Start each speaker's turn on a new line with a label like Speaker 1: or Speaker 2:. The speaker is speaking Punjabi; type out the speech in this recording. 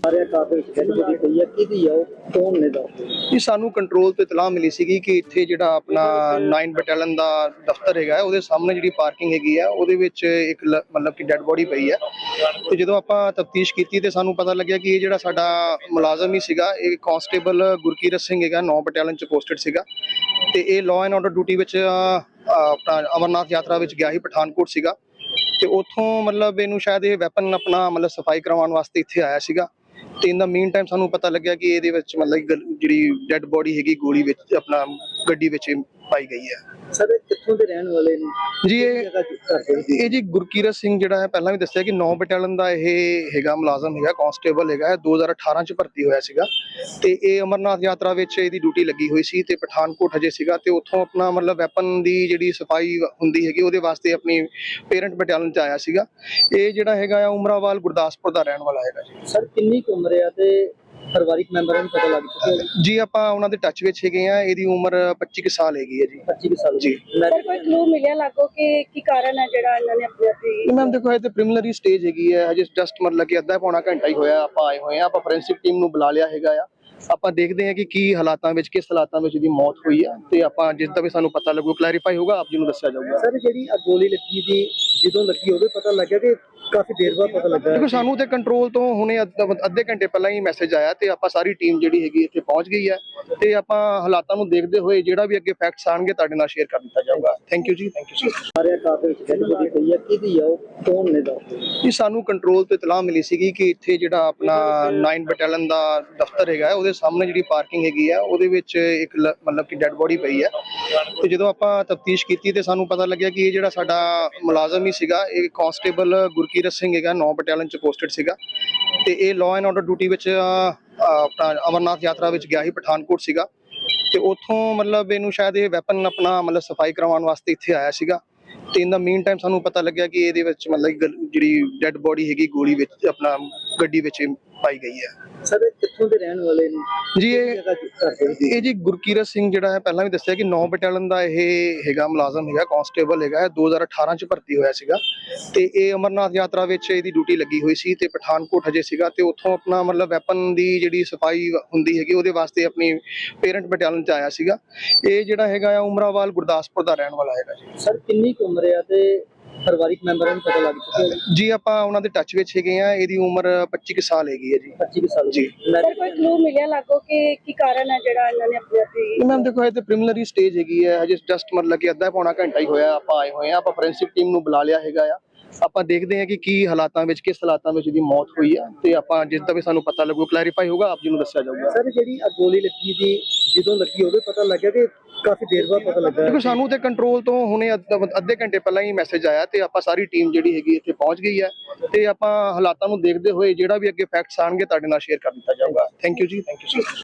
Speaker 1: ਜੀ ਸਾਨੂੰ ਕੰਟਰੋਲ ਤੋਂ ਇਤਲਾਹ ਮਿਲੀ ਸੀਗੀ ਕਿ ਇੱਥੇ ਜਿਹੜਾ ਆਪਣਾ 9 ਬਟਾਲੀਅਨ ਦਾ ਦਫ਼ਤਰ ਹੈਗਾ ਉਹਦੇ ਸਾਹਮਣੇ ਜਿਹੜੀ ਪਾਰਕਿੰਗ ਹੈਗੀ ਆ ਉਹਦੇ ਵਿੱਚ ਇੱਕ ਮਤਲਬ ਕਿ ਡੈੱਡ ਬੋਡੀ ਪਈ ਹੈ। ਤੇ ਜਦੋਂ ਆਪਾਂ ਤਫਤੀਸ਼ ਕੀਤੀ ਤੇ ਸਾਨੂੰ ਪਤਾ ਲੱਗਿਆ ਕਿ ਇਹ ਜਿਹੜਾ ਸਾਡਾ ਮੁਲਾਜ਼ਮ ਹੀ ਸੀਗਾ, ਇਹ ਕਾਂਸਟੇਬਲ ਗੁਰਕੀਰਤ ਸਿੰਘ ਹੈਗਾ, 9 ਬਟਾਲੀਅਨ ਚ ਪੋਸਟਡ ਸੀਗਾ ਤੇ ਇਹ ਲਾਅ ਐਂਡ ਆਰਡਰ ਡਿਊਟੀ ਵਿੱਚ ਆਪਣਾ ਅਮਰਨਾਥ ਯਾਤਰਾ ਵਿੱਚ ਗਿਆ ਸੀ, ਪਠਾਨਕੋਟ ਸੀਗਾ ਤੇ ਉੱਥੋਂ ਮਤਲਬ ਇਹਨੂੰ ਸ਼ਾਇਦ ਇਹ ਵੈਪਨ ਆਪਣਾ ਮਤਲਬ ਸਫਾਈ ਕਰਵਾਉਣ ਵਾਸਤੇ ਇੱਥੇ ਆਇਆ ਸੀਗਾ ਤੇ ਇਨ ਦਾ ਮੀਨ ਟਾਈਮ ਸਾਨੂੰ ਪਤਾ ਲੱਗਿਆ ਕਿ ਇਹਦੇ ਵਿੱਚ ਮਤਲਬ ਜਿਹੜੀ ਡੈੱਡ ਬੋਡੀ ਹੈਗੀ ਗੋਲੀ ਵਿੱਚ ਆਪਣਾ ਗੱਡੀ ਵਿੱਚ ਪਾਈ ਗਈ ਹੈ।
Speaker 2: ਸਰ ਕਿੱਥੋਂ ਦੇ ਰਹਿਣ ਵਾਲੇ ਨੇ
Speaker 1: ਜੀ? ਇਹ ਜੀ ਗੁਰਕੀਰਤ ਸਿੰਘ ਜਿਹੜਾ ਹੈ, ਪਹਿਲਾਂ ਵੀ ਦੱਸਿਆ ਕਿ 9 ਬਟਾਲੀਅਨ ਦਾ ਇਹ ਹੈਗਾ, ਮੁਲਾਜ਼ਮ ਹੈਗਾ, ਕਾਂਸਟੇਬਲ ਹੈਗਾ, 2018 ਚ ਭਰਤੀ ਹੋਇਆ ਸੀਗਾ ਤੇ ਇਹ ਅਮਰਨਾਥ ਯਾਤਰਾ ਵਿੱਚ ਇਹਦੀ ਡਿਊਟੀ ਲੱਗੀ ਹੋਈ ਸੀ ਤੇ ਪਠਾਨਕੋਟ ਹਜੇ ਸੀਗਾ ਤੇ ਉੱਥੋਂ ਆਪਣਾ ਮਤਲਬ ਵੈਪਨ ਦੀ ਜਿਹੜੀ ਸਫਾਈ ਹੁੰਦੀ ਹੈਗੀ ਉਹਦੇ ਵਾਸਤੇ ਆਪਣੀ ਪੇਰੈਂਟ ਬਟਾਲੀਅਨ ਚ ਆਇਆ ਸੀਗਾ। ਇਹ ਜਿਹੜਾ ਹੈਗਾ ਆ ਉਮਰਾਵਾਲ ਗੁਰਦਾਸਪੁਰ ਦਾ ਰਹਿਣ ਵਾਲਾ ਹੈਗਾ ਜੀ।
Speaker 2: ਸਰ ਕਿੰਨੀ ਕੁ ਉਮਰ ਹੈ ਤੇ ਪਰਿਵਾਰਿਕ ਮੈਂਬਰਾਂ ਨੂੰ ਪਤਾ ਲੱਗ ਚੁੱਕਿਆ
Speaker 1: ਜੀ? ਆਪਾਂ ਉਹਨਾਂ ਦੇ ਟੱਚ ਵਿੱਚ ਹੈਗੇ ਆ। ਇਹਦੀ ਉਮਰ 25 ਕੁ ਸਾਲ ਹੈਗੀ ਹੈ ਜੀ।
Speaker 2: 25 ਸਾਲ
Speaker 1: ਜੀ।
Speaker 3: ਸਰ ਕੋਈ ਕਲੂ ਮਿਲਿਆ ਲੱਗੋ ਕਿ ਕੀ ਕਾਰਨ ਹੈ ਜਿਹੜਾ ਇਹਨਾਂ ਨੇ ਆਪਣੇ ਆਪ
Speaker 1: ਮੈਮ ਦੇਖੋ, ਇਹ ਤੇ ਪ੍ਰੀਲਿਮਿਨਰੀ ਸਟੇਜ ਹੈਗੀ ਹੈ, ਹਜੇ ਜਸਟ ਮਤਲਬ ਕਿ ਅੱਧਾ ਪੌਣਾ ਘੰਟਾ ਹੀ ਹੋਇਆ ਆਪਾਂ ਆਏ ਹੋਏ ਆ। ਆਪਾਂ ਫੋਰੈਂਸਿਕ ਟੀਮ ਨੂੰ ਬੁਲਾ ਲਿਆ ਹੈਗਾ ਆ। ਆਪਾਂ ਦੇਖਦੇ ਹਾਂ ਕਿ ਕੀ ਹਾਲਾਤਾਂ ਵਿੱਚ, ਕਿਸ ਹਾਲਾਤਾਂ ਵਿੱਚ ਇਹਦੀ ਮੌਤ ਹੋਈ ਆ ਤੇ ਆਪਾਂ ਜਿਸ ਦਾ ਵੀ ਸਾਨੂੰ ਪਤਾ ਲੱਗੂ, ਕਲੈਰੀਫਾਈ ਹੋਊਗਾ, ਆਪ ਜੀ ਨੂੰ ਦੱਸਿਆ ਜਾਊਗਾ।
Speaker 2: ਸਰ ਜਿਹੜੀ ਗੋਲੀ ਲੱਗੀ ਦੀ ਜਦੋਂ ਲੱਗੀ ਉਹਦੇ ਪਤਾ ਲੱਗਿਆ ਕਿ ਕਾਫੀ ਦੇਰ ਬਾਅਦ ਪਤਾ ਲੱਗਾ?
Speaker 1: ਦੇਖੋ ਸਾਨੂੰ ਤੇ ਕੰਟਰੋਲ ਤੋਂ ਹੁਣੇ ਅੱਧੇ ਘੰਟੇ ਪਹਿਲਾਂ ਹੀ ਮੈਸੇਜ ਆਇਆ ਤੇ ਆਪਾਂ ਸਾਰੀ ਟੀਮ ਜਿਹੜੀ ਹੈਗੀ ਇੱਥੇ ਪਹੁੰਚ ਗਈ ਹੈ ਤੇ ਆਪਾਂ ਹਾਲਾਤਾਂ ਨੂੰ ਦੇਖਦੇ ਹੋਏ ਜਿਹੜਾ ਵੀ ਅੱਗੇ ਫੈਕਟਸ ਆਣਗੇ ਤੁਹਾਡੇ ਨਾਲ ਸ਼ੇਅਰ ਕਰ ਦਿੱਤਾ ਜਾਊਗਾ। ਥੈਂਕ ਯੂ ਜੀ, ਥੈਂਕ ਯੂ ਸਰ।
Speaker 2: ਸਾਰਿਆ ਕਾਫੀ ਗੋਲੀ ਪਈ ਹੈ, ਕਿਹਦੀ ਆ ਉਹ, ਕੌਣ ਨੇ ਦਾ?
Speaker 1: ਜੀ ਸਾਨੂੰ ਕੰਟਰੋਲ ਤੋਂ ਇਤਲਾਹ ਮਿਲੀ ਸੀਗੀ ਕਿ ਇੱਥੇ ਜਿਹੜਾ ਆਪਣਾ 9 ਬਟਾਲੀਅਨ ਦਾ ਦਫ਼ਤਰ ਹੈਗਾ ਉਹਦੇ ਸਾਹਮਣੇ ਜਿਹੜੀ ਪਾਰਕਿੰਗ ਹੈਗੀ ਆ ਉਹਦੇ ਵਿੱਚ ਇੱਕ ਮਤਲਬ ਕਿ ਡੈੱਡ ਬੋਡੀ ਪਈ ਹੈ ਤੇ ਜਦੋਂ ਆਪਾਂ ਤਫਤੀਸ਼ ਕੀਤੀ ਤੇ ਸਾਨੂੰ ਪਤਾ ਲੱਗਿਆ ਕਿ ਇਹ ਜਿਹੜਾ ਸਾਡਾ ਮੁਲਾਜ਼ਮ ਹੀ ਸੀਗਾ, ਇਹ ਕਾਂਸਟੇਬਲ ਗੁਰਕੀਰਤ ਸਿੰਘ ਹੈਗਾ, 9 ਬਟਾਲੀਅਨ ਚ ਪੋਸਟਡ ਸੀਗਾ ਤੇ ਇਹ ਲਾਅ ਐਂਡ ਆਰਡਰ ਡਿਊਟੀ ਵਿੱਚ ਆਪਣਾ ਅਮਰਨਾਥ ਯਾਤਰਾ ਵਿੱਚ ਗਿਆ ਸੀ, ਪਠਾਨਕੋਟ ਸੀਗਾ ਤੇ ਉੱਥੋਂ ਮਤਲਬ ਇਹਨੂੰ ਸ਼ਾਇਦ ਇਹ ਵੈਪਨ ਆਪਣਾ ਮਤਲਬ ਸਫਾਈ ਕਰਵਾਉਣ ਵਾਸਤੇ ਇੱਥੇ ਆਇਆ ਸੀਗਾ ਤੇ ਇਨ ਦਾ ਮੀਨ ਟਾਈਮ ਸਾਨੂੰ ਪਤਾ ਲੱਗਿਆ ਕਿ ਇਹਦੇ ਵਿੱਚ ਮਤਲਬ ਜਿਹੜੀ ਡੈੱਡ ਬੋਡੀ ਹੈਗੀ ਗੋਲੀ ਵਿੱਚ ਆਪਣਾ ਗੱਡੀ ਵਿੱਚ ਪਾਈ ਗਈ ਹੈ।
Speaker 2: ਸਰ ਕਿੱਥੋਂ ਦੇ ਰਹਿਣ ਵਾਲੇ ਨੇ
Speaker 1: ਜੀ? ਇਹ ਜੀ ਗੁਰਕੀਰਤ ਸਿੰਘ ਜਿਹੜਾ ਹੈ, ਪਹਿਲਾਂ ਵੀ ਦੱਸਿਆ ਕਿ 9 ਬਟਾਲੀਅਨ ਦਾ ਇਹ ਹੈਗਾ, ਮੁਲਾਜ਼ਮ ਹੈਗਾ, ਕਾਂਸਟੇਬਲ ਹੈਗਾ, 2018 ਚ ਭਰਤੀ ਹੋਇਆ ਸੀਗਾ ਤੇ ਇਹ ਅਮਰਨਾਥ ਯਾਤਰਾ ਵਿੱਚ ਇਹਦੀ ਡਿਊਟੀ ਲੱਗੀ ਹੋਈ ਸੀ ਤੇ ਪਠਾਨਕੋਟ ਹਜੇ ਸੀਗਾ ਤੇ ਉੱਥੋਂ ਆਪਣਾ ਮਤਲਬ ਵੈਪਨ ਦੀ ਜਿਹੜੀ ਸਫਾਈ ਹੁੰਦੀ ਹੈਗੀ ਉਹਦੇ ਵਾਸਤੇ ਆਪਣੀ ਪੇਰੈਂਟ ਬਟਾਲੀਅਨ ਚ ਆਇਆ ਸੀਗਾ। ਇਹ ਜਿਹੜਾ ਹੈਗਾ ਆ ਉਮਰਾਵਾਲ ਗੁਰਦਾਸਪੁਰ ਦਾ ਰਹਿਣ ਵਾਲਾ ਹੈਗਾ ਜੀ।
Speaker 2: ਸਰ ਕਿੰਨੀ ਕੁ ਉਮਰ ਹੈ ਤੇ ਪਰਿਵਾਰਿਕ ਮੈਂਬਰਾਂ ਨੂੰ ਪਤਾ ਲੱਗ ਚੁੱਕਿਆ
Speaker 1: ਜੀ? ਆਪਾਂ ਉਹਨਾਂ ਦੇ ਟੱਚ ਵਿੱਚ ਹੈਗੇ ਆ। ਇਹਦੀ ਉਮਰ 25 ਕੁ ਸਾਲ ਹੈਗੀ ਹੈ ਜੀ।
Speaker 2: 25 ਸਾਲ
Speaker 1: ਜੀ।
Speaker 3: ਸਰ ਕੋਈ ਕਲੂ ਮਿਲਿਆ ਲੱਗੋ ਕਿ ਕੀ ਕਾਰਨ ਹੈ ਜਿਹੜਾ ਇਹਨਾਂ ਨੇ ਆਪਣੇ ਆਪ
Speaker 1: ਮੈਮ ਦੇਖੋ, ਇਹ ਤੇ ਪ੍ਰੀਲਿਮਿਨਰੀ ਸਟੇਜ ਹੈਗੀ ਹੈ, ਹਜੇ ਜਸਟ ਮਤਲਬ ਕਿ ਅੱਧਾ ਪੌਣਾ ਘੰਟਾ ਹੀ ਹੋਇਆ ਆਪਾਂ ਆਏ ਹੋਏ ਆ। ਆਪਾਂ ਫੋਰੈਂਸਿਕ ਟੀਮ ਨੂੰ ਬੁਲਾ ਲਿਆ ਹੈਗਾ ਆ। ਆਪਾਂ ਦੇਖਦੇ ਹਾਂ ਕਿ ਕੀ ਹਾਲਾਤਾਂ ਵਿੱਚ, ਕਿਸ ਹਾਲਾਤਾਂ ਵਿੱਚ ਇਹਦੀ ਮੌਤ ਹੋਈ ਆ ਤੇ ਆਪਾਂ ਜਿਸ ਦਾ ਵੀ ਸਾਨੂੰ ਪਤਾ ਲੱਗੂ, ਕਲੈਰੀਫਾਈ ਹੋਊਗਾ, ਆਪ ਜੀ ਨੂੰ ਦੱਸਿਆ ਜਾਊਗਾ।
Speaker 2: ਸਰ ਜਿਹੜੀ ਗੋਲੀ ਲੱਗੀ ਦੀ ਜਦੋਂ ਲੱਗੀ ਉਹਦੇ ਪਤਾ ਲੱਗਿਆ ਕਿ ਕਾਫੀ ਦੇਰ ਬਾਅਦ ਪਤਾ ਲੱਗਾ?
Speaker 1: ਦੇਖੋ ਸਾਨੂੰ ਤੇ ਕੰਟਰੋਲ ਤੋਂ ਹੁਣੇ ਅੱਧੇ ਘੰਟੇ ਪਹਿਲਾਂ ਹੀ ਮੈਸੇਜ ਆਇਆ ਤੇ ਆਪਾਂ ਸਾਰੀ ਟੀਮ ਜਿਹੜੀ ਹੈਗੀ ਇੱਥੇ ਪਹੁੰਚ ਗਈ ਹੈ ਤੇ ਆਪਾਂ ਹਾਲਾਤਾਂ ਨੂੰ ਦੇਖਦੇ ਹੋਏ ਜਿਹੜਾ ਵੀ ਅੱਗੇ ਫੈਕਟਸ ਆਣਗੇ ਤੁਹਾਡੇ ਨਾਲ ਸ਼ੇਅਰ ਕਰ ਦਿੱਤਾ ਜਾਊਗਾ। ਥੈਂਕ ਯੂ ਜੀ, ਥੈਂਕ ਯੂ ਸਰ।